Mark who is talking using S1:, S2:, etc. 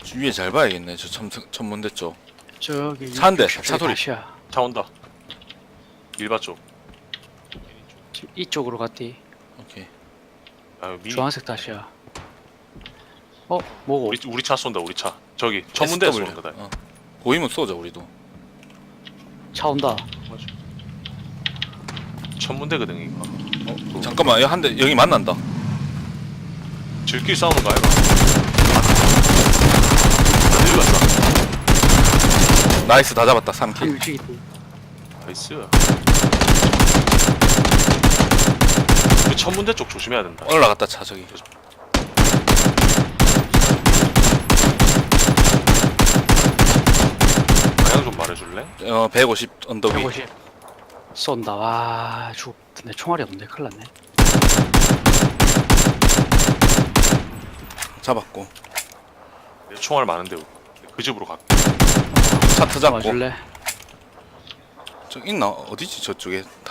S1: 위에 잘 봐야겠네. 저 천문대 쪽.
S2: 저기
S1: 차 한 대,
S2: 60
S1: 차 소리.
S2: 다시야.
S3: 차 온다. 일바 쪽.
S2: 지금 이쪽으로 갔디.
S1: 오케이.
S3: 아, 미니.
S2: 주황색 다시야. 뭐고?
S3: 우리 차 쏜다. 우리 차. 저기 천문대에서
S1: SW.
S3: 쏜다.
S1: 어. 보이면 쏘자 우리도.
S2: 차 온다.
S3: 맞아. 천문대거든 이거.
S1: 잠깐만, 여기 한 대 여기 만난다.
S3: 질끼리 싸우는 거 아이가? 안 들렸어.
S1: 나이스, 다 잡았다. 3킬.
S2: 일찍 있디.
S3: 나이스. 그 천문대 쪽 조심해야 된다.
S1: 올라갔다 차 저기.
S3: 방향 좀 말해줄래?
S1: 150 언덕 위.
S2: 150. 쏜다. 와, 죽었네. 총알이 없네. 큰일 났네.
S1: 잡았고.
S3: 내 총알 많은데 그 집으로 갈게.
S1: 차트 잡고.
S2: 맞을래?
S1: 저 있나? 어디지 저쪽에?